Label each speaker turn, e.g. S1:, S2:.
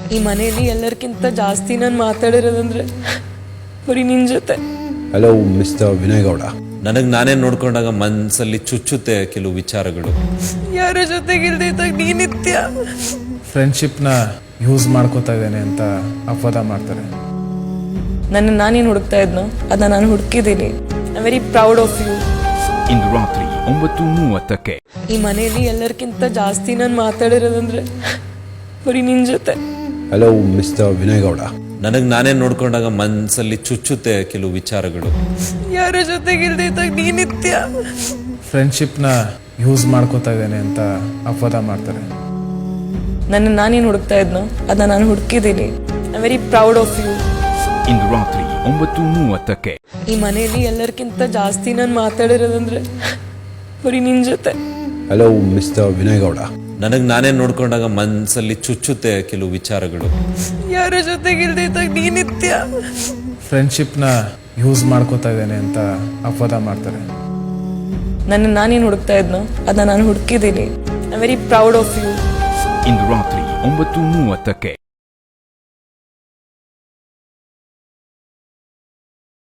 S1: ಈ ಮನೆಯಲ್ಲಿ ಎಲ್ಲರಿಗಿಂತ ಜಾಸ್ತಿ ನಾನು ಮಾತಾಡಿರೋದಂದ್ರೆ ಬರೀ ನಿನ್ ಜೊತೆ.
S2: Hello mister Vinay Gowda.
S3: ನನಗೆ ನಾನೇ ನೋಡ್ಕೊಂಡಾಗ ಮನಸ್ಸಲ್ಲಿ ಚುಚ್ಚುತ್ತೆ ಕೆಲವು ವಿಚಾರಗಳು.
S1: ಯಾರ ಜೊತೆಗಿಲ್ದಿದ್ದಾಗ ನೀನಿತ್ಯ
S4: ಫ್ರೆಂಡ್ಶಿಪ್ನ ಯೂಸ್ ಮಾಡ್ಕೋತಾ ಇದ್ದೇನೆ ಅಂತ ಅಪವಾದ ಮಾಡ್ತಾರೆ.
S1: ನನ್ನ ನಾನೇನು ಹುಡುಕ್ತಾ ಇದ್ನೋ ಅದನ್ನ ನಾನು ಹುಡುಕಿದ್ದೀನಿ. I very proud of you.
S5: ಇಂದು ರಾತ್ರಿ 9:30ಕ್ಕೆ
S1: ಈ ಮನೆಯಲ್ಲಿ ಎಲ್ಲರಿಗಿಂತ ಜಾಸ್ತಿ ನಾನು ಮಾತಾಡಿರೋದಂದ್ರೆ ಬರೀ ನಿನ್ ಜೊತೆ.
S2: Hello mister Vinay Gowda.
S3: ನನಗೆ ನಾನೇ ನೋಡ್ಕೊಂಡಾಗ ಮನಸ್ಸಲ್ಲಿ ಚುಚ್ಚುತ್ತೆ ಕೆಲವು ವಿಚಾರಗಳು.
S1: ಯಾರ ಜೊತೆಗಿಲ್ದಿದ್ದಾಗ ನೀನಿತ್ಯ
S4: ಫ್ರೆಂಡ್ಶಿಪ್ನ ಯೂಸ್ ಮಾಡ್ಕೋತಾ ಇದ್ದೇನೆ ಅಂತ ಅಪವಾದ ಮಾಡ್ತಾರೆ.
S1: ನನ್ನ ನಾನೇನು ಹುಡುಕ್ತಾ ಇದ್ನೋ ಅದನ್ನ ನಾನು ಹುಡುಕಿದ್ದೀನಿ. I very proud of you.
S5: ಇಂದು ರಾತ್ರಿ 9:30ಕ್ಕೆ
S1: ಈ ಮನೆಯಲ್ಲಿ ಎಲ್ಲರಿಗಿಂತ ಜಾಸ್ತಿ ನಾನು ಮಾತಾಡಿರೋದಂದ್ರೆ ಬರೀ ನಿನ್ ಜೊತೆ.
S2: Hello mister Vinay Gowda.
S3: ನನಗೆ ನಾನೇ ನೋಡ್ಕೊಂಡಾಗ ಮನಸ್ಸಲ್ಲಿ ಚುಚ್ಚುತ್ತೆ ಕೆಲವು ವಿಚಾರಗಳು.
S1: ಯಾರ ಜೊತೆಗಿಲ್ದಿದ್ದಾಗ ನೀನಿತ್ಯ
S4: ಫ್ರೆಂಡ್ಶಿಪ್ನ ಯೂಸ್ ಮಾಡ್ಕೋತಾ ಇದ್ದೇನೆ ಅಂತ ಅಪವಾದ ಮಾಡ್ತಾರೆ.
S1: ನನ್ನ ನಾನೇನು ಹುಡುಕ್ತಾ ಇದ್ನೋ ಅದನ್ನ ನಾನು ಹುಡುಕಿದ್ದೀನಿ. I very proud of you.
S5: ಇಂದು ರಾತ್ರಿ 9:30ಕ್ಕೆ